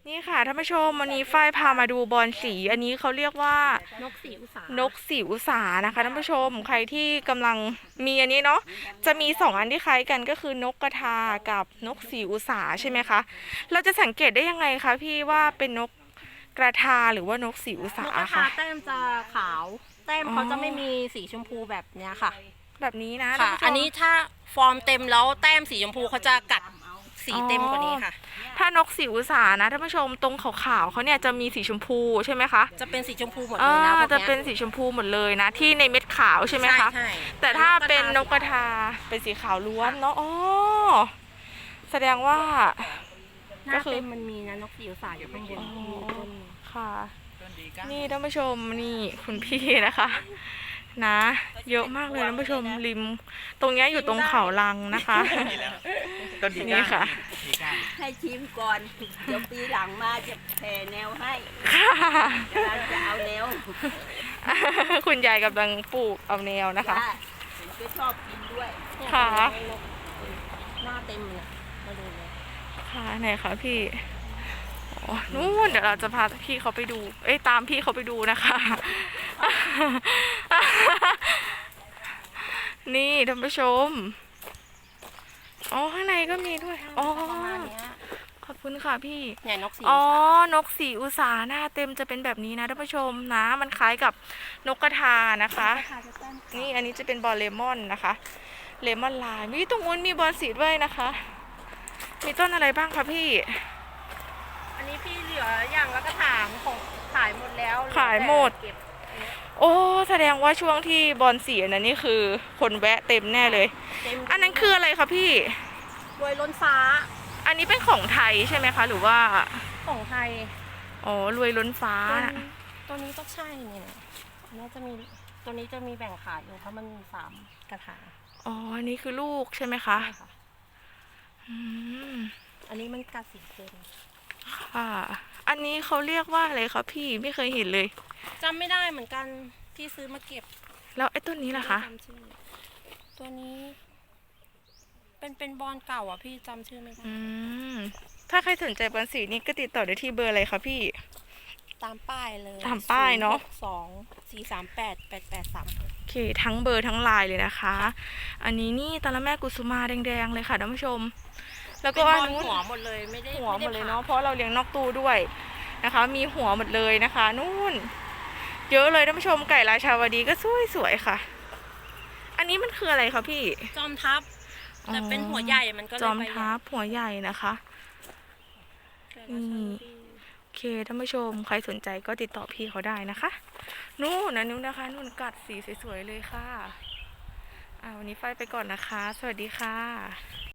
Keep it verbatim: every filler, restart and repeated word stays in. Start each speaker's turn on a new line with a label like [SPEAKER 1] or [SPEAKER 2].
[SPEAKER 1] นี่ค่ะท่านผู้ชมวันนี้ฝ้ายพามาดูบอลสีอันนี้เขาเรียกว่าน
[SPEAKER 2] กสีอุสาน
[SPEAKER 1] กสีอุสานะคะท่านผู้ชมใครที่กำลังมีอันนี้เนาะจะมีสองอันที่คล้ายกันก็คือนกกระทากับนกสีอุสาใช่ไหมคะเราจะสังเกตได้ยังไงคะพี่ว่าเป็นนกกระทาหรือว่านกสีอุสาน
[SPEAKER 2] กกระทา
[SPEAKER 1] คะ
[SPEAKER 2] แต้มจะขาวแต้มเขาจะไม่มีสีชมพูแบบเนี้ยค่ะ
[SPEAKER 1] แบบนี้นะ
[SPEAKER 2] ค่ะอันนี้ถ้าฟอร์มเต็มแล้วแต้มสีชมพูเขาจะกัดสีเต็มกว่านี้ค่ะ
[SPEAKER 1] ถ้านกสีอุสานะท่านผู้ชมตรงขาวๆเขาเนี่ยจะมีสีชมพูใช่ไหมคะ
[SPEAKER 2] จะเป็นสีชมพูหมดเลยนะพวกนี้
[SPEAKER 1] จะเป็นสีชมพูหมดเลยนะที่ในเม็ดขาวใช่ไหมคะ
[SPEAKER 2] ใช่
[SPEAKER 1] แต่ถ้าเป็นนกกระทาเป็นสีขาวล้วนเนาะอ๋อแสดงว่า
[SPEAKER 2] ก็คือมันมีนะนกสีอุสาอยู่ข้างบน
[SPEAKER 1] ค่ะนี่ท่านผู้ชมนี่คุณพี่นะคะนะเยอะมากเลยท่านผู้ชมริมตรงนี้อยู่ตรงเขาลังนะคะนี่ค่ะ
[SPEAKER 3] ให้ชิมก่อนเดี๋ยวปีหลังมาจะแผ่แนวให้จะเอาแนว
[SPEAKER 1] คุณยายกำลังปลูกเอาแนวนะคะ
[SPEAKER 3] ก็ชอบกินด้วย
[SPEAKER 1] ค่ะ
[SPEAKER 2] หน้าเต็มเลยมาดูเลย
[SPEAKER 1] ค่ะไหนคะพี่อ๋อนู่นเดี๋ยวเราจะพาพี่เขาไปดูเอ้ยตามพี่เขาไปดูนะคะนี่ท่านผู้ชมอ๋อข้างในก็มีด้วยอ๋อขอบคุณค่ะพี่
[SPEAKER 2] เนี่ยนกสี
[SPEAKER 1] อ๋อนกสีอุสาหน้าเต็มจะเป็นแบบนี้นะท่านผู้ชมนะมันคล้ายกับนกกระทานะคะนี่อันนี้จะเป็นบอลเลมอนนะคะเลมอนลายมีตรงนู้นมีบอลสีด้วยนะคะมีต้นอะไรบ้างคะพี่
[SPEAKER 2] อันนี้พี่เหลืออย่างละกระถางของขายหมดแล้ว
[SPEAKER 1] ขายหมดโอ้แสดงว่าช่วงที่บอลสีอันนั้นนี่คือคนแวะเต็มแน่เลยอันนั้นคืออะไรคะพี่
[SPEAKER 2] รวยล้นฟ้า
[SPEAKER 1] อันนี้เป็นของไทยใช่ไหมคะหรือว่า
[SPEAKER 2] ของไทย
[SPEAKER 1] อ๋อรวยล้นฟ้า
[SPEAKER 2] ตัวนี้ต้องใช่เนี่ยน่าจะมีตัวนี้จะมีแบ่งขายอยู่เพราะมันมีสามกระถาง
[SPEAKER 1] อ๋ออันนี้คือลูกใช่ไหมคะอืม
[SPEAKER 2] อันนี้มันกัดสีเต็ม
[SPEAKER 1] ค่ะอันนี้เขาเรียกว่าอะไรคะพี่ไม่เคยเห็นเลย
[SPEAKER 2] จำไม่ได้เหมือนกันที่ซื้อมาเก็บ
[SPEAKER 1] แล้วไอ้ต้นนี้ล่ะคะ
[SPEAKER 2] ตัวนี้เป็นเป็นบอลเก่าอ่ะพี่จำชื่อไม่ได้
[SPEAKER 1] อืมถ้าใครสนใจบอลสีนี้ก็ติดต่อได้ที่เบอร์อะไรคะพี่
[SPEAKER 2] ตามป้ายเลย
[SPEAKER 1] ตามป้ายเนาะ
[SPEAKER 2] สองสี่สามแปดแปดแปดสาม
[SPEAKER 1] โอเคทั้งเบอร์ทั้งไลน์เลยนะคะอันนี้นี่ตาละแม่กุสุมาแดงๆเลยค่ะท่านผู้ชมแล้วก็อันนู้น
[SPEAKER 2] หัวหมดเลยไม่ได้
[SPEAKER 1] หัวหมดเลยเนาะเพราะเราเลี้ยงนอกตู้ด้วยนะคะมีหัวหมดเลยนะคะนู่นเยอะเลยท่านผู้ชมไก่ราชาวดีก็สวยๆค่ะอันนี้มันคืออะไรคะพี่
[SPEAKER 2] จอมทัพแต่เป็นหัวใหญ่มันก็
[SPEAKER 1] จอมทัพหัวใหญ่นะคะนี่โอเคท่านผู้ชมใครสนใจก็ติดต่อพี่เขาได้นะคะนู่นนะนู้นนะคะนู่นกัดสีสวยๆเลยค่ะอ่าวันนี้ไฟไปก่อนนะคะสวัสดีค่ะ